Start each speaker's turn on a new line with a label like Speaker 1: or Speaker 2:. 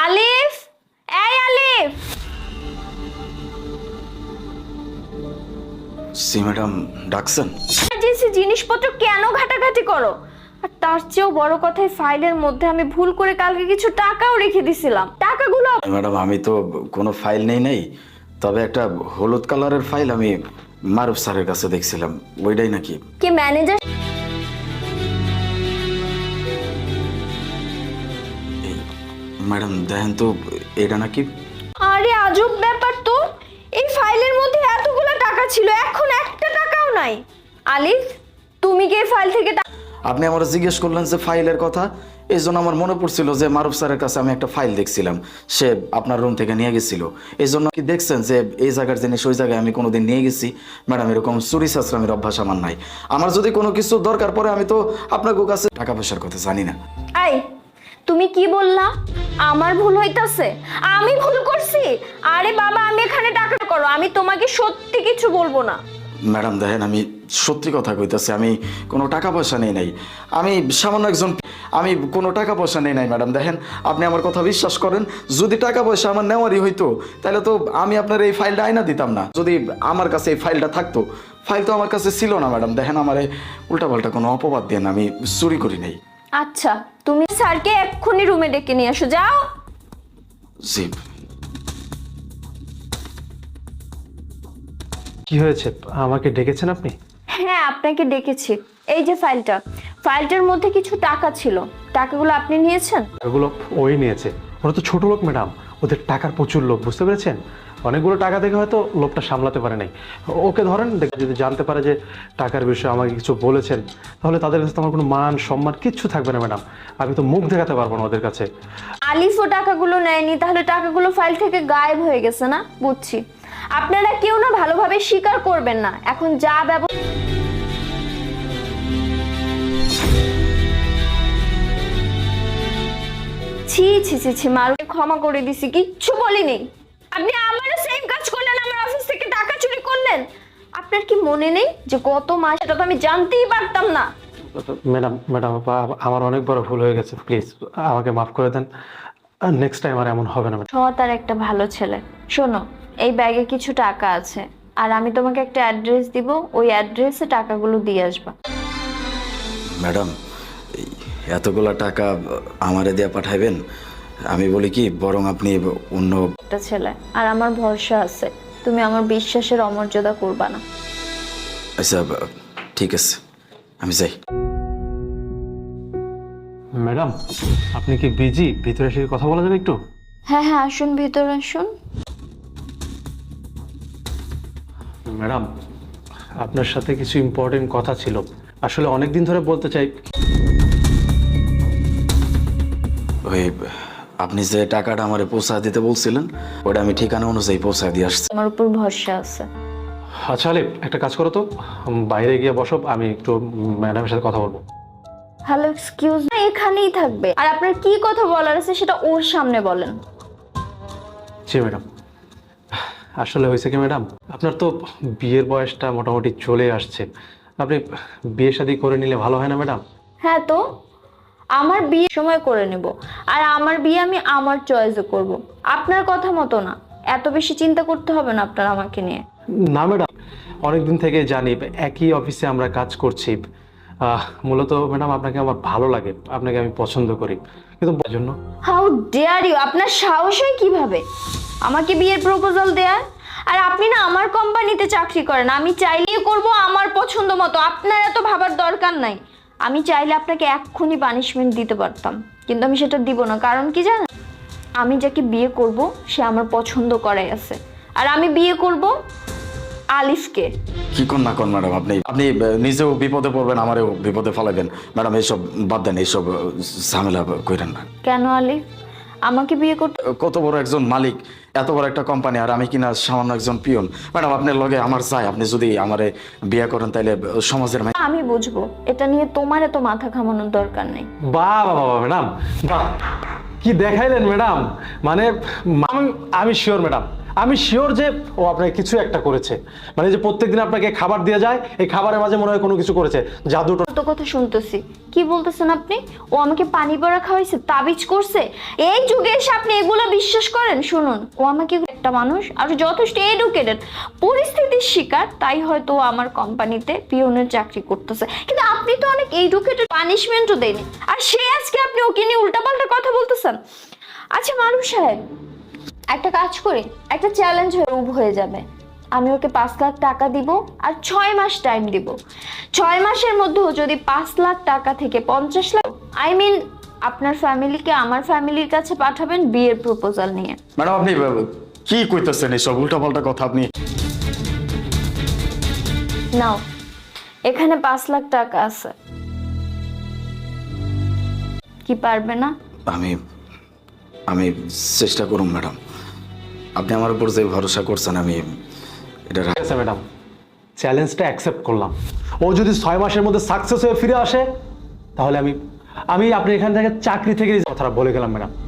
Speaker 1: আলিফ, এই আলিফ।
Speaker 2: জি ম্যাডাম, ডাকছেন?
Speaker 1: ইমার্জেন্সি জিনিসপত্র কেন ঘাটাঘাটি করো? আর তার চেয়েও বড় কথা, ফাইলের মধ্যে আমি ভুল করে কালকে কিছু টাকাও রেখে দিছিলাম। টাকাগুলো
Speaker 2: ম্যাডাম আমি তো কোনো ফাইল নেই, তবে একটা হলুদ কালারের ফাইল আমি মারুফ স্যারের কাছে দেখছিলাম, ওইটাই নাকি?
Speaker 1: কি ম্যানেজার?
Speaker 2: ম্যাডাম দেখেন তো, এটা নাকি?
Speaker 1: আরে আজব ব্যাপার তো, এই ফাইলের মধ্যে এতগুলো টাকা ছিল, এখন একটা টাকাও নাই। আলিফ, তুমি কি এই ফাইল থেকে
Speaker 2: আপনি আমার জিজ্ঞেস করলেন যে ফাইলের কথা, এই জন্য আমার মনে পড়ছিল যে মারুফ স্যারের কাছে আমি একটা ফাইল দেখছিলাম, সে আপনার রুম থেকে নিয়ে গেছিল। এই জন্য কি দেখছেন যে এই জায়গার জিনিস ওই জায়গায় আমি কোনোদিন নিয়ে গেছি? ম্যাডাম এরকম চুরি চাচরামের অভ্যাস আমার নাই। আমার যদি কোনো কিছু দরকার পড়ে আমি তো আপনার কাছে টাকা পয়সার কথা জানি না।
Speaker 1: এই তুমি কি বললা? আমার ভুল হইতাছে? আমি ভুল করছি? আরে বাবা, আমি এখানে টাকা করো, আমি তোমাকে সত্যি কিছু বলবো না।
Speaker 2: ম্যাডাম দেখেন, আমি সত্যি কথা কইতাছি, আমি কোনো টাকা পয়সা নেই নাই। আমি সামান্য একজন, আমি কোনো টাকা পয়সা নেই নাই ম্যাডাম। দেখেন, আপনি আমার কথা বিশ্বাস করেন, যদি টাকা পয়সা আমার নেওয়ারই হইতো তাহলে তো আমি আপনার এই ফাইলটা আইনা দিতাম না। যদি আমার কাছে এই ফাইলটা থাকতো, ফাইল তো আমার কাছে ছিল না ম্যাডাম। দেখেন, আমার উল্টাপাল্টা কোনো অপবাদ দেন, আমি চুরি করি নাই।
Speaker 1: আচ্ছা, তুমি স্যারকে এক্ষুনি রুমে ডেকে নিয়ে আসো, যাও।
Speaker 2: জি।
Speaker 3: কি হয়েছে, আমাকে ডেকেছেন আপনি?
Speaker 1: হ্যাঁ, আপনাকে ডেকেছি। এই যে ফাইলটার মধ্যে কিছু টাকা ছিল, টাকাগুলো আপনি নিয়েছেন?
Speaker 3: ওগুলো ওই নিয়েছে। ওরা তো ছোট লোক ম্যাডাম, ওদের টাকার প্রচুর লোক, বুঝতে পেরেছেন? অনেকগুলো টাকা দেখে হয়তো লোকটা সামলাতে পারে নাই। ওকে ধরেন, যদি জানতে পারে যে টাকার বিষয়ে আমাকে কিছু বলেছেন, তাহলে তাদের কাছে তো আমার কোনো মান সম্মান কিচ্ছু থাকবে না ম্যাডাম। আমি তো মুখ দেখাতে পারবো না ওদের কাছে।
Speaker 1: আলিফও টাকাগুলো নেয়নি, তাহলে টাকাগুলো ফাইল থেকে গায়েব হয়ে গেছে না? বুঝছি। আপনারা কেউ না ভালোভাবে স্বীকার করবেন না। এখন যা ব্যবস্থা, ছি ছি ছি ছি, মারুকে ক্ষমা করে দিছি, কিচ্ছু বলিনি। আপনি আমারও সেম কাজ করলেন, আমার অফিস থেকে টাকা চুরি করলেন। আপনার কি মনে নেই যে গত মাস? এটা তো আমি জানতেই পারতাম না।
Speaker 3: ম্যাডাম ম্যাডাম আমার অনেক বড় ভুল হয়ে গেছে, প্লিজ আমাকে মাফ করে দেন। নেক্সট টাইম আর এমন হবে না ম্যাডাম।
Speaker 1: সৎ আর একটা ভালো ছেলে। শোনো, এই ব্যাগে কিছু টাকা আছে, আর আমি তোমাকে একটা অ্যাড্রেস দিব, ওই অ্যাড্রেসে টাকাগুলো দিয়ে আসবা।
Speaker 2: ম্যাডাম, এই এতগুলা টাকা আমারে দিয়ে পাঠাইবেন? আমি বলি কি, বরং আপনি অন্য
Speaker 1: একটা ছেলে, আর আমার ভরসা আছে তুমি আমার বিশ্বাসের অমর্যাদা করবা না।
Speaker 2: আচ্ছা, ঠিক আছে, আমি যাই।
Speaker 3: ম্যাডাম, আপনি কি বিজি? ভিতরে এসে কথা বলা যাবে একটু?
Speaker 1: হ্যাঁ হ্যাঁ, আসুন, ভিতর আসুন।
Speaker 3: ম্যাডাম, আপনার সাথে কিছু ইম্পর্টেন্ট কথা ছিল, আসলে অনেক দিন ধরে বলতে চাই।
Speaker 2: ওই আপনি যে টাকাটা আমারে পৌঁছা দিতে বলছিলেন, ওটা আমি ঠিকানা অনুযায়ী পৌঁছা দিয়ে আসছি।
Speaker 1: আমার উপর ভরসা আছে।
Speaker 3: আচ্ছা আলিফ, একটা কাজ করো তো, বাইরে গিয়ে বসো, আমি একটু ম্যাডামের সাথে কথা বলবো।
Speaker 1: হ্যালো, এক্সকিউজ মি, এখানেই থাকবে, আর আপনার কি কথা বলার আছে সেটা ওর সামনে বলেন।
Speaker 3: জি ম্যাডাম, আসলে হয়েছে কি ম্যাডাম, আপনার তো বিয়ের বয়সটা মোটামুটি চলে আসছে, আপনি বিয়ে শাদী করে নিলে ভালো হয় না ম্যাডাম?
Speaker 1: হ্যাঁ, তো আমার বিয়ে সময় করে নেব, আর আমার বিয়ে আমি আমার চয়েসে করব, আপনার কথা মতো না। এত বেশি চিন্তা করতে হবে না আপনার আমাকে নিয়ে।
Speaker 3: না ম্যাডাম, অনেকদিন থেকে জানি, একই অফিসে আমরা কাজ করছি। মূলত ম্যাডাম আপনাকে আমার ভালো লাগে, আপনাকে আমি পছন্দ করি, কিন্তু জন্য।
Speaker 1: How dare you! আপনার সাহস হয় কিভাবে আমাকে বিয়ের প্রপোজাল দেয়ার? আর আপনি না আমার কোম্পানিতে চাকরি করেন, আমি চাইলেই করব আমার পছন্দ মতো, আপনার এত ভাবার দরকার নাই। আমি চাইলে আপনাকে এক্ষুনি পানিশমেন্ট দিতে পারতাম, কিন্তু আমি সেটা দিব না। কারণ কি জানেন, আমি যাকে বিয়ে করব সে আমার পছন্দ করাই আছে, আর আমি বিয়ে করব আলিফকে।
Speaker 2: কি কোন না কোন ম্যাডাম, আপনি আপনি নিজেও বিপদে পড়বেন, আমারও বিপদে ফেলাবেন। ম্যাডাম এইসব বাদ দেন, এইসব ঝামেলা করেন না।
Speaker 1: কেন আলিফ আমাকে বিয়ে করতে?
Speaker 2: কত বড় একজন মালিক, এত বড় একটা কোম্পানি, আর আমি কিনা সামান্য একজন পিয়ন। ম্যাডাম আপনার লগে আমার চাই, আপনি যদি আমারে বিয়ে করেন তাহলে সমাজের
Speaker 1: আমি বুঝবো, এটা নিয়ে তোমার এত মাথা ঘামানোর দরকার নেই।
Speaker 3: বাহ বাহ বাহ ম্যাডাম, বাহ, কি দেখাইলেন ম্যাডাম! মানে আমি শিওর ম্যাডাম, আমি শিওর যে ও আপনাকে কিছু একটা করেছে। মানে যে প্রত্যেকদিন আপনাকে খাবার দিয়ে যায়, এই খাবারের মাঝে মনে হয় কোনো কিছু করেছে, জাদু
Speaker 1: কত কথা শুনতেছি। কি বলতেছেন আপনি? ও আমাকে পানি পড়া খাওয়াইছে, তাবিজ করছে? এই যুগে এসে আপনি এগুলো বিশ্বাস করেন? শুনুন, ও আমাকে একটা মানুষ আর যথেষ্ট এডুকেটেড, পরিস্থিতির শিকার, তাই হয়তো ও আমার কোম্পানিতে পিয়নের চাকরি করতেছে। কিন্তু আপনি তো অনেক এডুকেটেড, পানিশমেন্টও দেয়নি, আর সে আজকে আপনি ওকে নিয়ে উল্টাপাল্টা কথা বলতেছেন। আচ্ছা মারুফ সাহেব, একটা কাজ করি, একটা চ্যালেঞ্জ হয়ে যাবে। আমি ওকে 5 লাখ টাকা দিব আর 6 মাস টাইম দিব। 6 মাসের মধ্যেও যদি 5 লাখ টাকা থেকে 50 লাখ, আপনার ফ্যামিলিকে আমার ফ্যামিলির কাছে পাঠাবেন বিয়ের প্রপোজাল নিয়ে।
Speaker 2: ম্যাডাম আপনি কি কইতেছেন এইসব উল্টাপাল্টা কথা? আপনি
Speaker 1: নাও, এখানে 5 লাখ টাকা আছে। কি পারবে না?
Speaker 2: আমি আমি চেষ্টা করুন ম্যাডাম, আপনি আমার উপর যে ভরসা করছেন আমি এটা
Speaker 3: ঠিক আছে ম্যাডাম, চ্যালেঞ্জটা অ্যাকসেপ্ট করলাম। ও যদি 6 মাসের মধ্যে সাকসেস হয়ে ফিরে আসে, তাহলে আমি আপনি এখান থেকে চাকরি থেকে কথাটা বলে গেলাম ম্যাডাম।